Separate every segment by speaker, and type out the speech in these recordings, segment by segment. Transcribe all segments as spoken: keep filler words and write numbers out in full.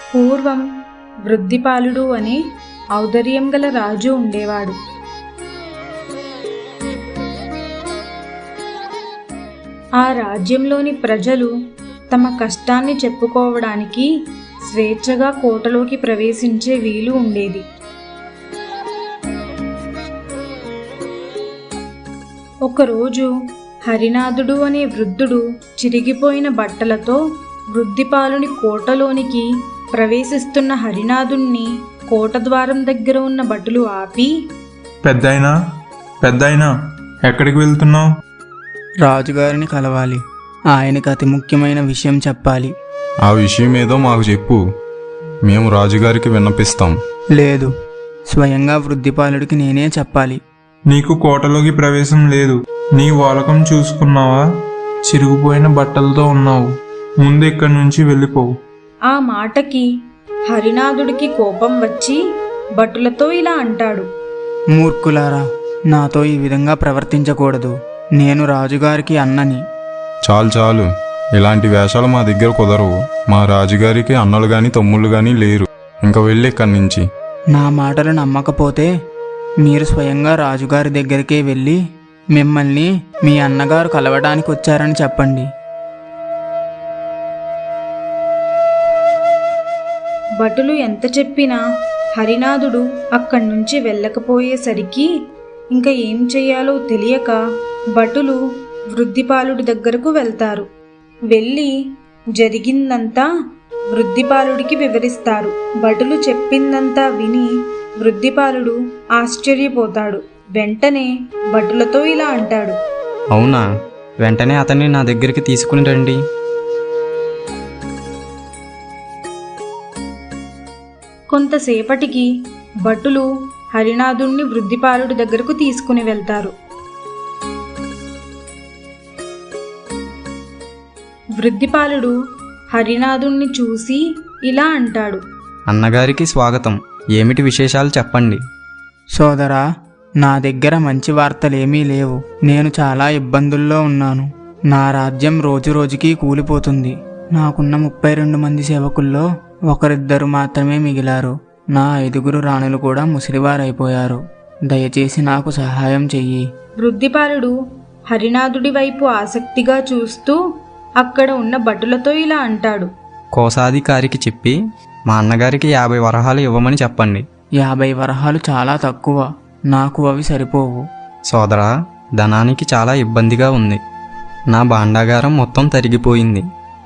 Speaker 1: పూర్వం వృద్ధిపాలుడు అనే ఔదార్యం గల రాజు ఉండేవాడు. ఆ రాజ్యంలోని ప్రజలు తమ కష్టాన్ని చెప్పుకోవడానికి స్వేచ్ఛగా కోటలోకి ప్రవేశించే వీలు ఉండేది. ఒకరోజు హరినాథుడు అనే వృద్ధుడు చిరిగిపోయిన బట్టలతో వృద్ధిపాలుని కోటలోనికి ప్రవేశిస్తున్న హరినాథుణ్ణి కోట ద్వారం దగ్గర ఉన్న భటులు ఆపి,
Speaker 2: పెద్దాయనా పెద్దాయనా ఎక్కడికి వెళ్తున్నావు?
Speaker 3: రాజుగారిని కలవాలి. ఆయనకు అతి ముఖ్యమైన విషయం చెప్పాలి.
Speaker 4: ఆ విషయం ఏదో మాకు చెప్పు, మేము రాజుగారికి విన్నపిస్తాం.
Speaker 3: లేదు, స్వయంగా వృద్ధిపాలుడికి నేనే చెప్పాలి.
Speaker 2: నీకు కోటలోకి ప్రవేశం లేదు. నీ వాలకం చూసుకున్నావా? చిరిగిపోయిన బట్టలతో ఉన్నావు. ముందు ఇక్కడి నుంచి వెళ్ళిపోవు.
Speaker 1: ఆ మాటకి హరినాథుడికి కోపం వచ్చి భటులతో ఇలా అంటాడు,
Speaker 3: మూర్ఖులారా, నాతో ఈ విధంగా ప్రవర్తించకూడదు. నేను రాజుగారికి అన్నని.
Speaker 4: చాలు చాలు, ఇలాంటి వేషాలు మా దగ్గర కుదరవు. మా రాజుగారికి అన్నలు గాని తమ్ముళ్ళు గాని లేరు. ఇంకా వెళ్ళి ఇక్కడి నుంచి.
Speaker 3: నా మాటలు నమ్మకపోతే మీరు స్వయంగా రాజుగారి దగ్గరికే వెళ్ళి మిమ్మల్ని మీ అన్నగారు కలవడానికి వచ్చారని చెప్పండి.
Speaker 1: భటులు ఎంత చెప్పినా హరినాథుడు అక్కడి నుంచి వెళ్ళకపోయేసరికి ఇంకా ఏం చెయ్యాలో తెలియక భటులు వృద్ధిపాలుడి దగ్గరకు వెళ్తారు. వెళ్ళి జరిగిందంతా వృద్ధిపాలుడికి వివరిస్తారు. భటులు చెప్పిందంతా విని వృద్ధిపాలుడు ఆశ్చర్యపోతాడు. వెంటనే భటులతో ఇలా అంటాడు,
Speaker 5: అవునా? వెంటనే అతన్ని నా దగ్గరికి తీసుకుని రండి.
Speaker 1: కొంతసేపటికి భటులు హరినాథుణ్ణి వృద్ధిపాలుడి దగ్గరకు తీసుకుని వెళ్తారు. వృద్ధిపాలుడు హరినాథుణ్ణి చూసి ఇలా అంటాడు,
Speaker 5: అన్నగారికి స్వాగతం. ఏమిటి విశేషాలు చెప్పండి.
Speaker 3: సోదరా, నా దగ్గర మంచి వార్తలేమీ లేవు. నేను చాలా ఇబ్బందుల్లో ఉన్నాను. నా రాజ్యం రోజు రోజుకి కూలిపోతుంది. నాకున్న ముప్పై రెండు మంది సేవకుల్లో ఒకరిద్దరు మాత్రమే మిగిలారు. నా ఐదుగురు రాణులు కూడా ముసిరివారైపోయారు. దయచేసి నాకు సహాయం చెయ్యి.
Speaker 1: వృద్ధిపాలుడు హరినాథుడి వైపు ఆసక్తిగా చూస్తూ అక్కడ ఉన్న భటులతో ఇలా అంటాడు,
Speaker 5: కోశాధికారికి చెప్పి మా అన్నగారికి యాభై వరహాలు ఇవ్వమని చెప్పండి.
Speaker 3: యాభై వరహాలు చాలా తక్కువ. నాకు అవి సరిపోవు.
Speaker 5: సోదరా, ధనానికి చాలా ఇబ్బందిగా ఉంది. నా భాండాగారం మొత్తం తరిగిపోయింది.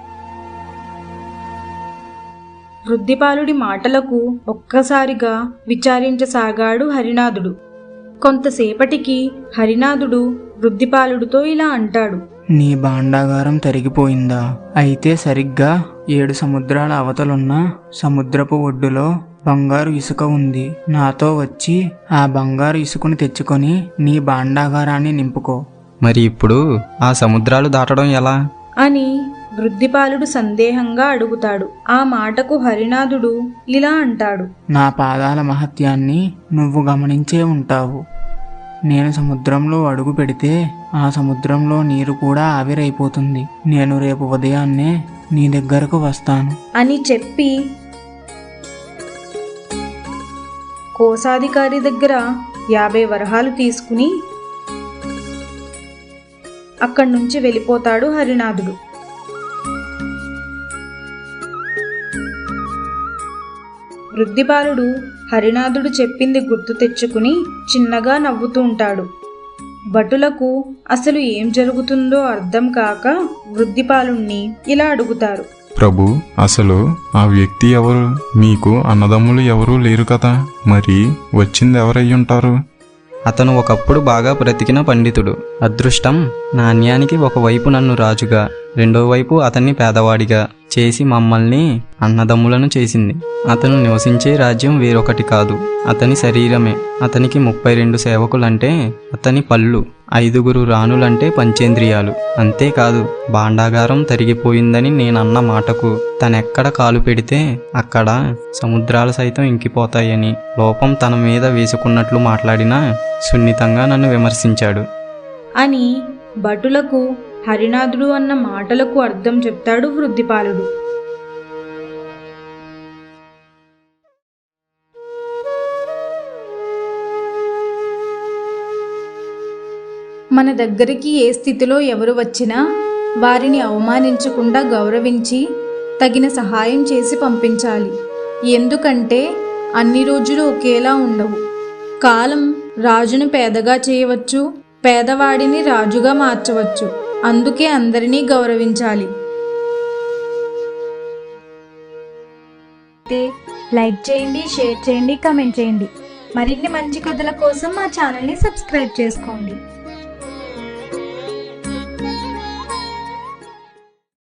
Speaker 1: వృద్ధిపాలుడి మాటలకు ఒక్కసారిగా విచారించసాగాడు హరినాథుడు. కొంతసేపటికి హరినాథుడు వృద్ధిపాలుడితో ఇలా అంటాడు,
Speaker 3: నీ భాండాగారం తరిగిపోయిందా? అయితే సరిగ్గా ఏడు సముద్రాల అవతలున్న సముద్రపు ఒడ్డులో బంగారు ఇసుక ఉంది. నాతో వచ్చి ఆ బంగారు ఇసుకను తెచ్చుకొని నీ భాండాగారాన్ని నింపుకో.
Speaker 5: మరి ఇప్పుడు ఆ సముద్రాలు దాటడం ఎలా
Speaker 1: అని వృద్ధిపాలుడు సందేహంగా అడుగుతాడు. ఆ మాటకు హరినాథుడు ఇలా అంటాడు,
Speaker 3: నా పాదాల మహత్యాన్ని నువ్వు గమనించే ఉంటావు. నేను సముద్రంలో అడుగు పెడితే ఆ సముద్రంలో నీరు కూడా ఆవిరైపోతుంది. నేను రేపు ఉదయాన్నే నీ దగ్గరకు వస్తాను
Speaker 1: అని చెప్పి కోశాధికారి దగ్గర యాభై వరహాలు తీసుకుని అక్కడి నుంచి వెళ్ళిపోతాడు హరినాథుడు. వృద్ధిపాలుడు హరినాథుడు చెప్పింది గుర్తు తెచ్చుకుని చిన్నగా నవ్వుతూ ఉంటాడు. భటులకు అసలు ఏం జరుగుతుందో అర్థం కాక వృద్ధిపాలుణ్ణి ఇలా అడుగుతారు,
Speaker 4: ప్రభు, అసలు ఆ వ్యక్తి ఎవరు? మీకు అన్నదమ్ములు ఎవరూ లేరు కదా, మరి వచ్చింది ఎవరయ్యుంటారు?
Speaker 5: అతను ఒకప్పుడు బాగా బ్రతికిన పండితుడు. అదృష్టం నాణ్యానికి ఒకవైపు నన్ను రాజుగా, రెండో వైపు అతన్ని పేదవాడిగా చేసి మమ్మల్ని అన్నదమ్ములను చేసింది. అతను నివసించే రాజ్యం వేరొకటి కాదు, అతని శరీరమే. అతనికి ముప్పై రెండు సేవకులంటే అతని పళ్ళు, ఐదుగురు రాణులంటే పంచేంద్రియాలు. అంతేకాదు, భాండాగారం తరిగిపోయిందని నేనన్న మాటకు తనెక్కడ కాలు పెడితే అక్కడ సముద్రాలు సైతం ఇంకిపోతాయని లోపం తన మీద వేసుకున్నట్లు మాట్లాడినా సున్నితంగా నన్ను విమర్శించాడు
Speaker 1: అని భటులకు హరినాథుడు అన్న మాటలకు అర్థం చెప్తాడు వృద్ధిపాలుడు. మన దగ్గరికి ఏ స్థితిలో ఎవరు వచ్చినా వారిని అవమానించకుండా గౌరవించి తగిన సహాయం చేసి పంపించాలి. ఎందుకంటే అన్ని రోజులు ఒకేలా ఉండవు. కాలం రాజును పేదగా చేయవచ్చు, పేదవాడిని రాజుగా మార్చవచ్చు. అందుకే అందరినీ గౌరవించాలి.
Speaker 6: లైక్ చేయండి, షేర్ చేయండి, కామెంట్ చేయండి. మరిన్ని మంచి కథల కోసం మా ఛానల్ని సబ్స్క్రైబ్ చేసుకోండి.